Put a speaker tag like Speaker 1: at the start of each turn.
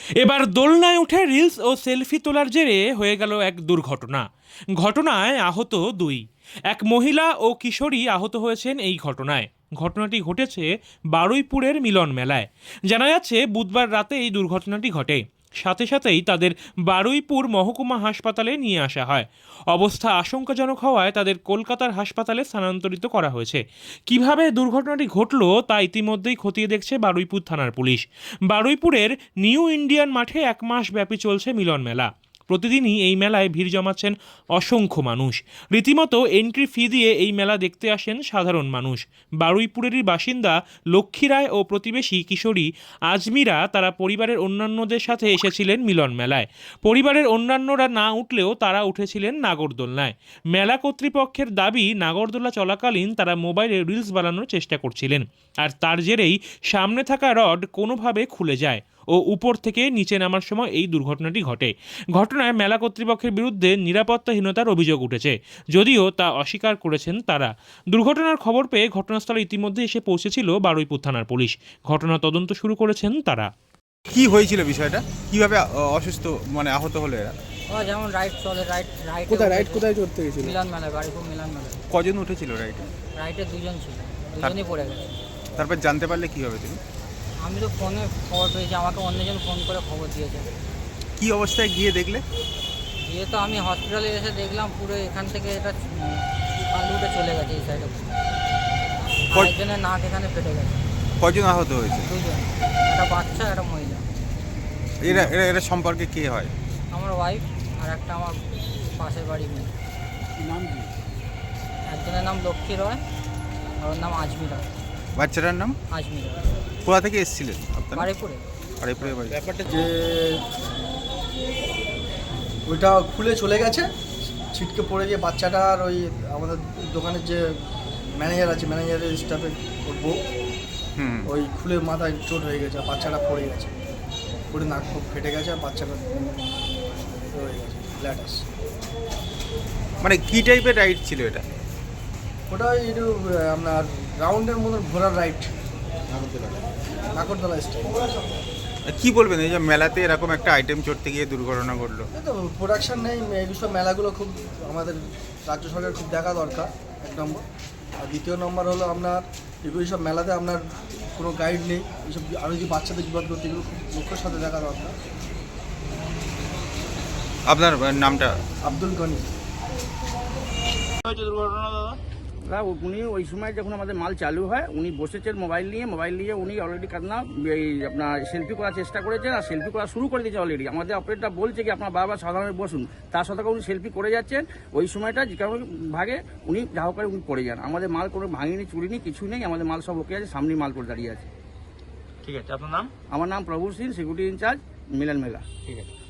Speaker 1: এবার দোলনায় উঠে রিলস ও সেলফি তোলার জেরে হয়ে গেল এক দুর্ঘটনা। ঘটনায় আহত দুই। এক মহিলা ও কিশোরী আহত হয়েছেন এই ঘটনায়। ঘটনাটি ঘটেছে বারুইপুরের মিলন মেলায়। জানা যাচ্ছে বুধবার রাতে এই দুর্ঘটনাটি ঘটে। সাথে সাথেই তাদের বারুইপুর মহকুমা হাসপাতালে নিয়ে আসা হয়। অবস্থা আশঙ্কাজনক হওয়ায় তাদের কলকাতার হাসপাতালে স্থানান্তরিত করা হয়েছে। কিভাবে দুর্ঘটনাটি ঘটল তা ইতিমধ্যেই খতিয়ে দেখছে বারুইপুর থানার পুলিশ। বারুইপুরের নিউ ইন্ডিয়ান মাঠে 1 মাস ব্যাপী চলছে মিলন মেলা। প্রতিদিনই এই মেলায় ভিড় জমাচ্ছেন অসংখ্য মানুষ। রীতিমতো এন্ট্রি ফি দিয়ে এই মেলা দেখতে আসেন সাধারণ মানুষ। বারুইপুরেরই বাসিন্দা লক্ষ্মী রায় ও প্রতিবেশী কিশোরী আজমিরা তারা পরিবারের অন্যান্যদের সাথে এসেছিলেন মিলন মেলায়। পরিবারের অন্যান্যরা না উঠলেও তারা উঠেছিলেন নাগরদোলনায়। মেলা কর্তৃপক্ষের দাবি, নাগরদোলা চলাকালীন তারা মোবাইলে রিলস বানানোর চেষ্টা করছিলেন, আর তার জেরেই সামনে থাকা রড কোনোভাবে খুলে যায় ও উপর থেকে নিচে নামার সময় এই দুর্ঘটনাটি ঘটে। ঘটনায় মেলা কর্তৃপক্ষের বিরুদ্ধে নিরাপত্তাহীনতার অভিযোগ উঠেছে, যদিও তা অস্বীকার করেছেন তারা। দুর্ঘটনার খবর পেয়ে ঘটনাস্থলে ইতিমধ্যে এসে পৌঁছেছিল বারুইপুর থানার পুলিশ। ঘটনা তদন্ত শুরু করেছেন তারা।
Speaker 2: কি হয়েছিল বিষয়টা? কিভাবে অসুস্থ আহত হলো এরা?
Speaker 3: ও যেমন রাইড চলে, রাইড
Speaker 4: কোথায় চড়তে গেছিল?
Speaker 3: মিলন মেলায়, বাড়িপুর মিলন মেলায়।
Speaker 2: কজন উঠেছিল রাইডে?
Speaker 3: রাইডে দুজন ছিল, দুজনই পড়ে গেছে।
Speaker 2: তারপর জানতে পারলে কিভাবে তুমি?
Speaker 3: আমি তো ফোনে খবর পেয়েছি, আমাকে অন্যজন ফোন করে খবর দিয়েছে।
Speaker 2: কি অবস্থায় গিয়ে দেখলে?
Speaker 3: দিয়ে তো আমি হসপিটালে এসে দেখলাম পুরো এখান থেকে এটা উঠে চলে গেছে এই সাইডে। একজনের নাক এখানে ফেটে গেছে।
Speaker 2: কজন আহত হয়েছে?
Speaker 3: দুজন, একটা বাচ্চা, একটা মহিলা।
Speaker 2: এরা এরা এরা সম্পর্কে কে হয়?
Speaker 3: আমার ওয়াইফ আর একটা আমার পাশের বাড়ি মেয়ে।
Speaker 4: নাম কি?
Speaker 3: একজনের নাম লক্ষ্মী রয় আর ওর নাম আজমিরা।
Speaker 2: বাচ্চাটার নাম?
Speaker 3: আজমিরা।
Speaker 2: কোথা থেকে এসেছিলেন আপনারা?
Speaker 3: বাড়িপুরে।
Speaker 2: বাড়িপুরে বাড়ি।
Speaker 4: ব্যাপারটা যে ওইটা খুলে চলে গেছে, ছিটকে পড়ে গিয়ে বাচ্চাটার ওই আমাদের দোকানের যে ম্যানেজার আছে, ম্যানেজারের স্টাফে বউ, ওই খুলে মাথায় চোট হয়ে গেছে, বাচ্চাটা পড়ে গেছে, পড়ে নাক খুব ফেটে গেছে, আর বাচ্চাটা রয়ে গেছে ল্যাটাস।
Speaker 2: কি টাইপের রাইড ছিল এটা?
Speaker 4: ওটা একটু আপনার রাউন্ডের মতন ঘোরার রাইড, নাগরদোলা স্টাইল।
Speaker 2: কি বলবেন এই যে মেলাতে এরকম একটা আইটেম চড়তে গিয়ে দুর্ঘটনা ঘটলো?
Speaker 4: এই তো প্রোডাকশন নেই, এইসব মেলাগুলো খুব আমাদের রাজ্য সরকার খুব দেখা দরকার, 1 নম্বর। আর 2 নম্বর হলো আপনার এইসব মেলাতে আপনার কোনো গাইড নেই, এইসব আরও যে বাচ্চাদের বিপদ করতে এগুলো খুব লক্ষ্যের সাথে দেখা দরকার।
Speaker 2: আপনার নামটা?
Speaker 4: আব্দুল গনি।
Speaker 5: না, উনি ওই সময় যখন আমাদের মাল চালু হয় উনি বসেছেন মোবাইল নিয়ে উনি অলরেডি এই আপনার সেলফি করার চেষ্টা করেছেন, আর সেলফি করা শুরু করে দিয়েছে অলরেডি। আমাদের অপারেটরটা বলছে কি আপনার বারবার সাধারণে বসুন, তার সাথে উনি সেলফি করে যাচ্ছেন। ওই সময়টা যে কারণে ভাগে উনি যা হোক করে উনি পড়ে যান। আমাদের মাল কোনো ভাঙিনি, চুরিনি, কিছু নেই, আমাদের মাল সব ওকে আছে, সামনে মাল করে দাঁড়িয়ে আছে।
Speaker 1: ঠিক আছে, আপনার নাম?
Speaker 5: আমার নাম প্রভু সিং, সিকিউরিটি ইনচার্জ, মিলন মেলা।
Speaker 1: ঠিক আছে।